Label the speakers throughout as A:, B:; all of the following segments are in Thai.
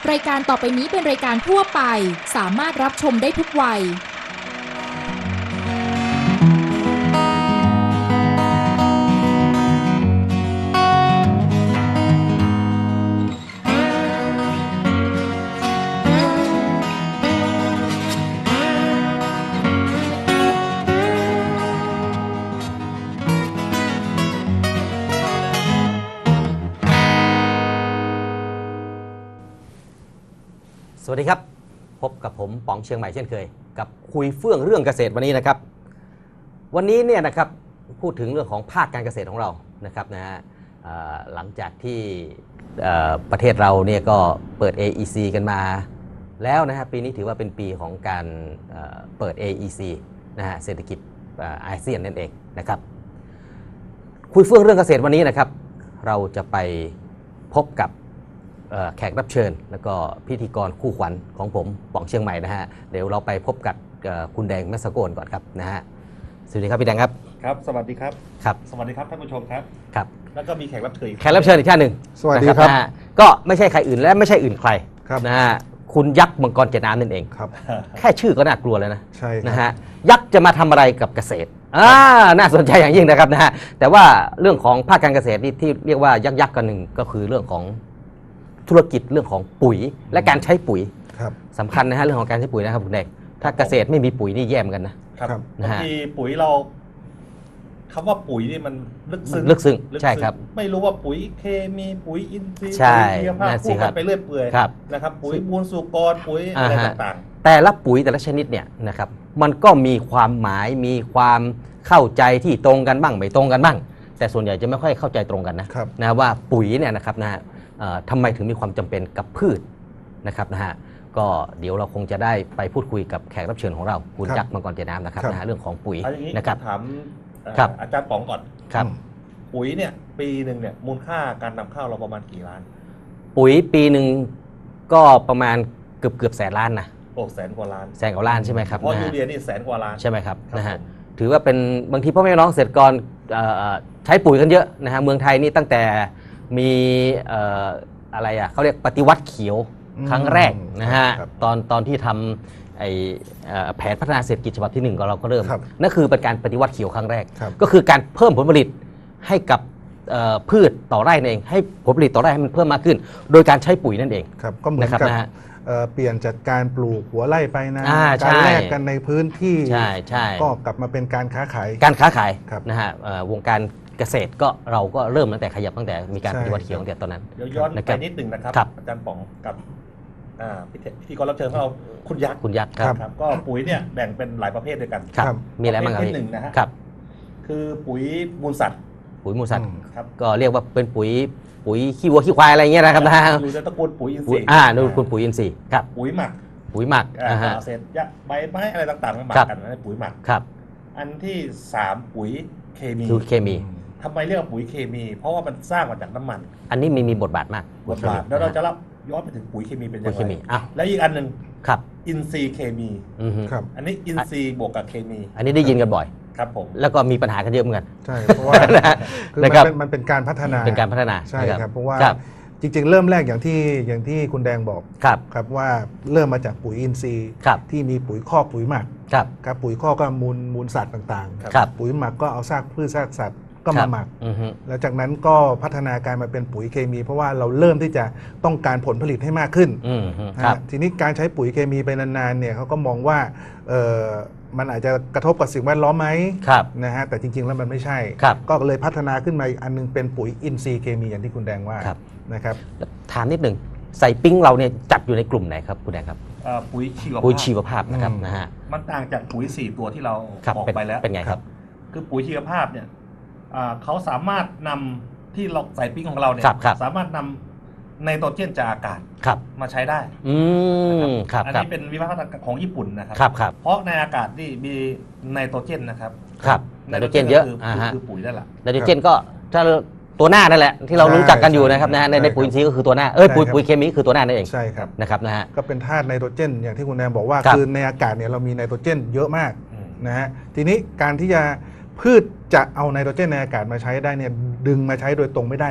A: รายการต่อไปนี้เป็นรายการทั่วไปสามารถรับชมได้ทุกวัย
B: สวัสดีครับพบกับผมป๋องเชียงใหม่เช่นเคยกับคุยเฟื่องเรื่องเกษตรวันนี้นะครับวันนี้เนี่ยนะครับพูดถึงเรื่องของภาคการเกษตรของเรานะครับนะฮะหลังจากที่ประเทศเราเนี่ยก็เปิด AEC กันมาแล้วนะฮะปีนี้ถือว่าเป็นปีของการเปิด AEC นะฮะเศรษฐกิจอาเซียนนั่นเองนะครับคุยเฟื่องเรื่องเกษตรวันนี้นะครับเราจะไปพบกับแขกรับเชิญแล้วก็พิธีกรคู่ขวัญของผมป๋องเชียงใหม่นะฮะเดี๋ยวเราไปพบกับคุณแดงแมสโกนก่อนครับนะฮะสวัสดีครับพี่แดงครับ
C: ครับสวัสดีครับ
B: ครับ
C: สวัสดีครับท่านผู้ชมครับ
B: ครับ
C: แล้วก็มีแขกรับเชิญอีก
B: ท่านหนึ่ง
D: สวัสดีครับ
B: นะฮะก็ไม่ใช่ใครอื่นและไม่ใช่อื่นใคร
D: ครับ
B: นะฮะคุณยักษ์มังกรเจ็ดน้ำนั่นเอง
D: ครับ
B: แค่ชื่อก็น่ากลัวแล้วนะ
D: ใช่
B: นะฮะยักษ์จะมาทำอะไรกับเกษตรน่าสนใจอย่างยิ่งนะครับนะฮะแต่ว่าเรื่องของภาคการเกษตรที่เรียกว่ายักษ์กันหนึ่งก็คือเรื่องของธุรกิจเรื่องของปุ๋ยและการใช้ปุ๋ยสำคัญนะฮะเรื่องของการใช้ปุ๋ยนะครับคุณแดงถ้าเกษตรไม่มีปุ๋ยนี่แย่เหมือนกันนะครับ
C: บางทีปุ๋ยเราคำว่าปุ๋ยนี่มันลึกซึ้ง
B: ใช่ครับ
C: ไม่รู้ว่าปุ๋ยเคมีปุ๋ยอินทรีย์
B: ใช่
C: ปุ๋ยชีวภาพพูดกันไปเรื่อยเปื่อยนะครับปุ๋ยมูลสุกรปุ๋ยอะไรต่าง
B: ๆแต่ละปุ๋ยแต่ละชนิดเนี่ยนะครับมันก็มีความหมายมีความเข้าใจที่ตรงกันบ้างไม่ตรงกันบ้างแต่ส่วนใหญ่จะไม่ค่อยเข้าใจตรงกันนะว่าปุ๋ยเนี่ยนะครับนะฮะทำไมถึงมีความจำเป็นกับพืชนะครับนะฮะก็เดี๋ยวเราคงจะได้ไปพูดคุยกับแขกรับเชิญของเราคุณยักษ์มังกรเจ็ดน้ำนะครับนะฮะเรื่องของปุ๋ยนะครับ
C: ถามอาจารย์ป๋องก่อน
B: ครับ
C: ปุ๋ยเนี่ยปีหนึ่งเนี่ยมูลค่าการนำเข้าเราประมาณกี่ล้าน
B: ปุ๋ยปีหนึ่งก็ประมาณเกือบแสนล้านนะ
C: แสนกว่าล้าน
B: ใช่ไหมครับ
C: เพราะยูเรียนี่แสนกว่าล้าน
B: ใช่ไหมครับนะฮะถือว่าเป็นบางทีพ่อแม่น้องเกษตรกรใช้ปุ๋ยกันเยอะนะฮะเมืองไทยนี่ตั้งแต่มีอะไรเขาเรียกปฏิวัติเขียวครั้งแรกนะฮะตอนที่ทำแผนพัฒนาเศรษฐกิจฉบับที่1ก็เราก็เริ่มนั่นคือเป็นการปฏิวัติเขียวครั้งแรกก็คือการเพิ่มผลผลิตให้กับพืชต่อไร่นั่นเองให้ผลผลิตต่อไร่ให้มันเพิ่มมากขึ้นโดยการใช้ปุ๋ยนั่นเอง
D: ครับก็เหมือนกับเปลี่ยนจากการปลูกหัวไร่ไปนะการแลกกันในพื้นที่ก็กลับมาเป็นการค้าขาย
B: นะฮะวงการเกษตรก็เราก็เริ่มตั้งแต่ขยับตั้งแต่มีการปฏิวัติเขียวตั้งแต่ตอนนั้น
C: ย้อนไปนิดหนึ่งนะครับอาจารย์ป๋องกับพิธีกรรับเชิญของเราคุณยักษ์ครับก็ปุ๋ยเนี่ยแบ่งเป็นหลายประเภทด้วยกัน
B: มีอะไรบ้างครับ
C: ที่หนึ่งนะฮะคือปุ๋ยมูลสัตว์
B: ก็เรียกว่าเป็นปุ๋ยขี้วัวขี้ควายอะไรเงี้ยนะครับนะ
C: อยู่ในตระกูลปุ๋ยอินทรีย์
B: นู่นคุณปุ๋ยอินทรีย์ครับ
C: ปุ๋ยหมักเศษหญ้าใบไม้อะไรต่างๆมาหมักกันนั่นปุ๋ยหมัก
B: ครับ
C: อันที่3ปุ๋ยเคมีทำไมเรียกว่าปุ๋ยเคมีเพราะว่ามันสร้างมาจากน้ำมัน
B: อันนี้มีบทบาทมาก
C: แล้วเราจะย้อนไปถึงปุ๋ยเคมีเป็นยังไงแล้วอีกอันหนึ่งอินทรีย์เคมีอันนี้อินทรีย์บวกกับเคมี
B: อันนี้ได้ยินกันบ่อย
C: ครับผม
B: แล้วก็มีปัญหากันเยอะเหมือนกัน
D: ใช่เพราะว่ามันเป็นการพัฒนาใช่ครับเพราะว่าจริงๆเริ่มแรกอย่างที่คุณแดงบอกครับว่าเริ่มมาจากปุ๋ยอินทรีย์ที่มีปุ๋ยคอกปุ๋ยหมักครับปุ๋ยคอกก็มูลสัตว์ต่างๆปุ๋ยหมักก็เอาซากพืชซากสัตว์ก็มาหมักแล้วจากนั้นก็พัฒนาการมาเป็นปุ๋ยเคมีเพราะว่าเราเริ่มที่จะต้องการผลผลิตให้มากขึ้นทีนี้การใช้ปุ๋ยเคมีไปนานๆเนี่ยเขาก็มองว่ามันอาจจะกระทบกับสิ่งแวดล้อมไหมนะฮะแต่จริงๆแล้วมันไม่ใช่ก็เลยพัฒนาขึ้นมาอีกอันนึงเป็นปุ๋ยอินทรีย์เคมีอย่างที่คุณแดงว่านะครับ
B: ถามนิดหนึ่งใส่ปิ้งเราเนี่ยจัดอยู่ในกลุ่มไหนครับคุณแดงครับ
C: ปุ๋ย
B: ชีวภาพนะครับนะฮะ
C: มันต่างจากปุ๋ย4ตัวที่เราบอกไปแล้ว
B: เป็นไงครับ
C: คือปุ๋ยชีวภาพเนี่ยเขาสามารถนำที่เราใส่ปิ้งของเราเนี่ยสามารถนำไนโตรเจนจากอากาศมาใช้ได้อันนี้เป็นวิวัฒนาการของญี่ปุ่นนะครับเพราะในอากาศนี่มีไนโตรเจนนะครับ
B: ไนโตรเจนเยอะ
C: คือปุ๋ยนั่นแหละ
B: ไนโตรเจนก็ถ้าตัวหน้านั่นแหละที่เรารู้จักกันอยู่นะครับนะในปุ๋ยอินทรีย์ก็คือตัวหน้าปุ๋ยเคมีคือตัวหน้านั่นเอง
D: ใช่ครับ
B: นะครับนะฮะ
D: ก็เป็นธาตุไนโตรเจนอย่างที่คุณแดงบอกว่าคือในอากาศเนี่ยเรามีไนโตรเจนเยอะมากนะฮะทีนี้การที่จะพืชจะเอาไนโตรเจนในอากาศมาใช้ได้เนี่ยดึงมาใช้โดยตรงไม่ได้นะ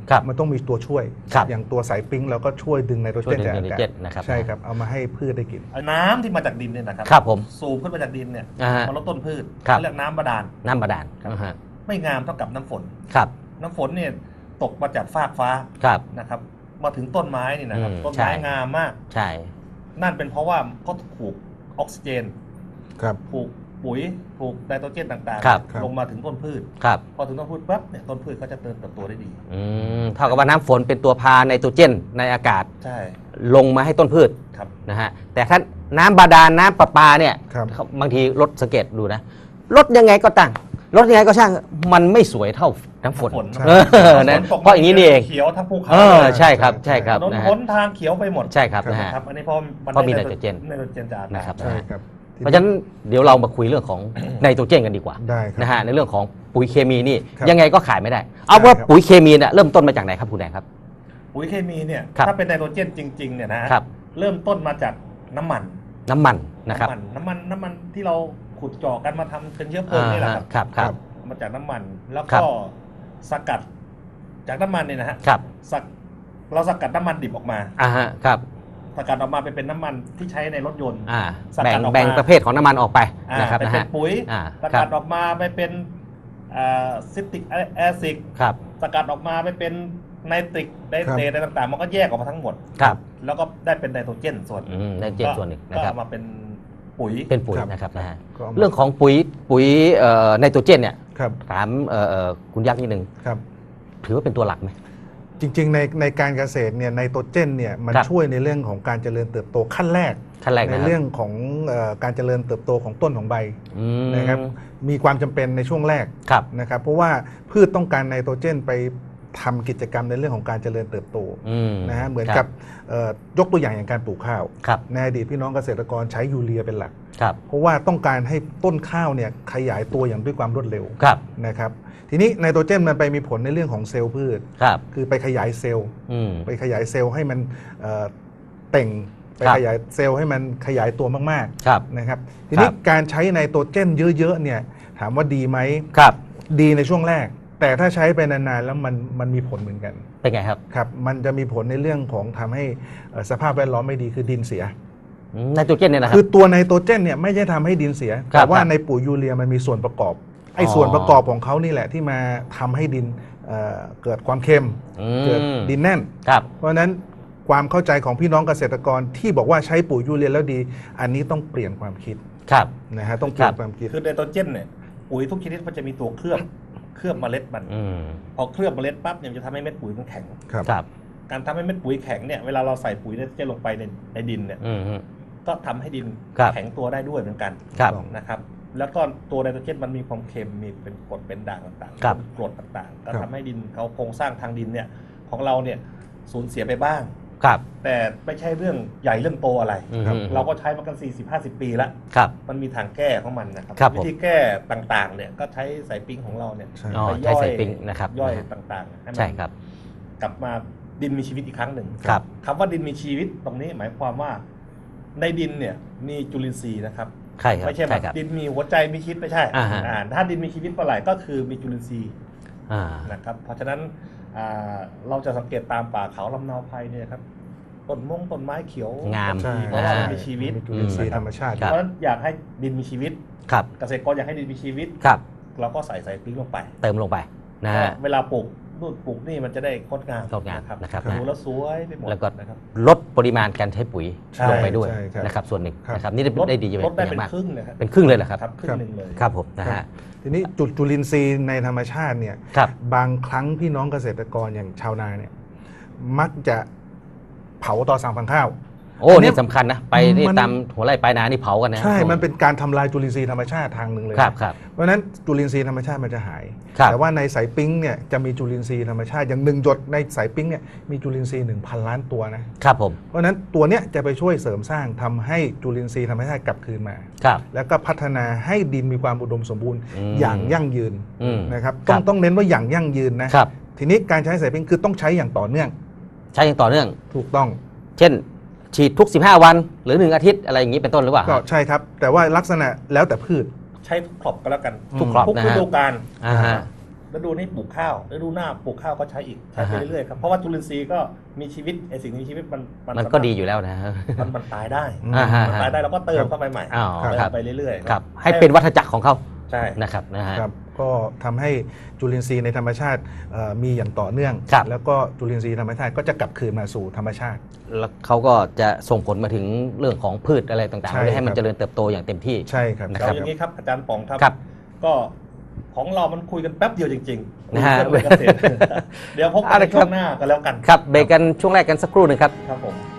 D: มันต้องมีตัวช่วยอย่างตัวสายปิ้งเราก็ช่วยดึงไนโตรเจนจากอากาศใช่ครับเอามาให้พืชได้กิน
C: น้ำที่มาจากดินเนี่ยนะครับผมสูบขึ้นมาจากดินเนี่ยมาลดต้นพืชเรียกน้ำบาดาลไม่งามเท่ากับน้ำฝนน้ำฝนเนี่ยตกมาจากฟากฟ้านะครับมาถึงต้นไม้นี่นะครับต้นไม้งามมาก
B: ใช่
C: นั่นเป็นเพราะว่าเขาถูกออกซิเจนถูกปุ๋ยถูกไนโตรเจนต่างๆลงมาถึงต้นพืชพอถึงต้นพืชปั๊บเนี่ยต้นพืชเขาจะเติบโตได้ดี
B: เท่ากับว่าน้ำฝนเป็นตัวพาไนโตรเจนในอากาศลงมาให้ต้นพืชนะฮะแต่ถ้าน้ำบาดาลน้ำประปาเนี่ยบางทีรถสังเกตดูนะรถยังไงก็ตั้งรถยังไงก็ช่างมันไม่สวยเท่าน้ำฝนนะเพราะอย่างนี้นี่เอง
C: เขียวทั้งภูเขา
B: ใช่ครับใช่ครับ
C: ถนนหนทางเขียวไปหมด
B: ใช่ครับนะฮะ
C: อันนี้เพราะมีไนโตรเจนจาก
B: นะครับเพราะฉะนั้นเดี๋ยวเรามาคุยเรื่องของไนโตรเจนกันดีกว่านะฮะในเรื่องของปุ๋ยเคมีนี่ยังไงก็ขายไม่ได้เอาว่าปุ๋ยเคมีเนี่ยเริ่มต้นมาจากไหนครับคุณแดงครับ
C: ปุ๋ยเคมีเนี่ยถ้าเป็นไนโตรเจนจริงๆเนี่ยนะเริ่มต้นมาจากน้ำมัน
B: นะครับ
C: น้ำมันที่เราขุดเจาะกันมาทำเป็นเชื้อเพลิงนี่แหละ
B: ครับ
C: มาจากน้ำมันแล้วก็สกัดจากน้ำมันเนี่ยนะฮะเราสกัดน้ำมันดิบออกมา
B: ครับ
C: สกัดออกมาเป็นน้ำมันที่ใช้ในรถยนต์
B: แบ่งประเภทของน้ำมันออกไปนะครับ
C: นะฮะเป็นปุ๋ยสกัดออกมาไปเป็นซิตริกแอซิดสกัดออกมาไปเป็นไนตริกไนเตรตอะไรต่างๆมันก็แยกออกมาทั้งหมดแล้วก็ได้เป็นไนโตรเจนส่วน
B: ไนโตรเจนส่วนหนึ่งนะครับ
C: ก็มาเป็นปุ๋ย
B: นะครับนะฮะเรื่องของปุ๋ยไนโตรเจนเนี่ยถามคุณยักษ์นิดนึงถือว่าเป็นตัวหลักไหม
D: จริงๆในการเกษตรเนี่ยไนโตรเจนเนี่ยมันช่วยในเรื่องของการเจริญเติบโตขั้นแรกในเรื่องของการเจริญเติบโตของต้นของใบนะครับมีความจำเป็นในช่วงแรกนะครับเพราะว่าพืชต้องการไนโตรเจนไปทำกิจกรรมในเรื่องของการเจริญเติบโตนะฮะเหมือนกับยกตัวอย่างอย่างการปลูกข้าวในอดีตพี่น้องเกษตรกรใช้ยูเรียเป็นหลักเพราะว่าต้องการให้ต้นข้าวเนี่ยขยายตัวอย่างด้วยความรวดเร็วนะครับทีนี้ไนโตรเจนมันไปมีผลในเรื่องของเซลล์พืชคือไปขยายเซลล์ให้มันเต่งไปขยายเซลล์ให้มันขยายตัวมากๆนะครับทีนี้การใช้ไนโตรเจนเยอะๆเนี่ยถามว่าดีไหมดีในช่วงแรกแต่ถ้าใช้ไปนานๆแล้วมันมีผลเหมือนกัน
B: เป็นไงครับ
D: ครับมันจะมีผลในเรื่องของทำให้สภาพแวดล้อมไม่ดีคือดินเสีย
B: ไนโตรเจนเนี่ยนะครับ
D: คือตัวไนโตรเจนเนี่ยไม่ใช่ทำให้ดินเสียแต่ว่าในปุ๋ยยูเรียมันมีส่วนประกอบไอ้ส่วนประกอบของเขานี่แหละที่มาทำให้ดินเกิดความเค็มเกิดดินแน่นเพราะฉะนั้นความเข้าใจของพี่น้องเกษตรกรที่บอกว่าใช้ปุ๋ยยูเรียแล้วดีอันนี้ต้องเปลี่ยนความคิดนะฮะต้องเปลี่ยนความคิด
C: คือไนโตรเจนเนี่ยปุ๋ยทุกชนิดมันจะมีตัวเคลือบเมล็ดมันพอเคลือบเมล็ดปั๊บเนี่ยจะทำให้เม็ดปุ๋ยมันแข็งการทำให้เม็ดปุ๋ยแข็งเนี่ยเวลาเราใส่ปุ๋ยไนโตรเจนลงไปในดินเนี่ยก็ทำให้ดินแข็งตัวได้ด้วยเหมือนกันนะครับแล้วก็ตัวไนโตรเจนมันมีความเค็มมีเป็นกรดเป็นด่างต่างๆเป็นกรดต่างๆก็ทำให้ดินเขาโครงสร้างทางดินเนี่ยของเราเนี่ยสูญเสียไปบ้างแต่ไม่ใช่เรื่องใหญ่เรื่องโตอะไรเราก็ใช้มากัน 40-50 ปีแล้วมันมีทางแก้ของมันนะครับวิธีแก้ต่างๆเนี่ยก็ใช้สายปิ้งของเราเนี่ย
B: ไปย่อยนะครับ
C: ย่อยต่างๆให้มันกลับมาดินมีชีวิตอีกครั้งหนึ่งคำว่าดินมีชีวิตตรงนี้หมายความว่าในดินเนี่ยมีจุลินทรีย์นะครับไม่ใช่แบบดินมีหัวใจมีชีวิตไม่ใช่ถ้าดินมีชีวิตเมื่อไหร่ก็คือมีจุลินทรีย์นะครับเพราะฉะนั้นเราจะสังเกตตามป่าเขาลำเนาไพรเนี่ยครับต้นไม้เขียว
B: งาม
C: เพราะว่ามันมีชีวิต
D: จุลินทรีย์ธรรมชาติ
C: เพราะฉะนั้นอยากให้ดินมีชีวิตเกษตรกรอยากให้ดินมีชีวิตเราก็ใส่ปิ้งลงไป
B: เติมลงไปนะฮะ
C: เวลาปลูกนี่มันจะได้งดงาม
B: นะครับ
C: ดูแล้วสวยไปหมด
B: แล้วก็ลดปริมาณการใช้ปุ๋ยลงไปด้วยนะครับส่วนหนึ่งนะครับนี่ได้ดี
C: ลดได้เป็นครึ่งนะครับ
B: เป็นครึ่งเลยเหรอครับ
C: ครึ่งหนึ่งเลย
B: ครับผมนะฮะ
D: ทีนี้จุลินทรีย์ในธรรมชาติเนี่ยบางครั้งพี่น้องเกษตรกรอย่างชาวนาเนี่ยมักจะเผาต่อสั่งพังข้าว
B: โอ้นี่สำคัญนะไปนี่ตามหัวไร่ปลายนานี่เผากันนะ
D: ใช่มันเป็นการทำลายจุลินทรีย์ธรรมชาติทางหนึ่งเลยเพราะฉะนั้นจุลินทรีย์ธรรมชาติมันจะหายแต่ว่าในสายปิ้งเนี่ยจะมีจุลินทรีย์ธรรมชาติอย่าง1 หยดในสายปิ้งเนี่ยมีจุลินทรีย์ 1,000 ล้านตัว
B: นะครับผม
D: เพราะฉะนั้นตัวเนี้ยจะไปช่วยเสริมสร้างทำให้จุลินทรีย์ธรรมชาติกลับคืนมาแล้วก็พัฒนาให้ดินมีความอุดมสมบูรณ์อย่างยั่งยืนนะครับต้องเน้นว่าอย่างยั่งยืนนะทีนี้การใช้สายปิ้งคือต้องใช้อย่างต่อเนื่องถูกต้อง
B: เช่นฉีดทุก15 วันหรือ1 อาทิตย์อะไรอย่างนี้เป็นต้นหรือเปล่า
D: ก็ใช่ครับแต่ว่าลักษณะแล้วแต่พืช
C: ใช้ครอบก็แล้วกัน
B: ทุกครอบ
C: ทุกฤดูกาลฤดูนี้ปลูกข้าวฤดูหน้าปลูกข้าวก็ใช้อีกใช้ไปเรื่อยๆครับเพราะว่าจุลินทรีย์ก็มีชีวิตไอสิ่งมีชีวิต
B: มันก็ดีอยู่แล้วนะ
C: มันตายได้มันตายได้เราก็เติมเข้าไปใหม่ไปเรื่อย
B: ๆครับให้เป็นวัฏจักรของเขา
C: ใช่
B: นะครับ
D: ครับก็ทำให้จุลินทรีย์ในธรรมชาติมีอย่างต่อเนื่องแล้วก็จุลินทรีย์ธรรมชาติก็จะกลับคืนมาสู่ธรรมชาติ
B: แล้วเขาก็จะส่งผลมาถึงเรื่องของพืชอะไรต่างๆให้มันเจริญเติบโตอย่างเต็มที่
D: ใช่ครับ
C: นะครับอย่างนี้ครับอาจารย์ป๋องครับก็ของเรามันคุยกันแป๊บเดียวจริงๆนะฮะเดี๋ยวพบกันในช่วงหน้ากันแล้วกัน
B: ครับเบรกกันช่วงแรกกันสักครู่หนึ่งครับ
C: ครับผม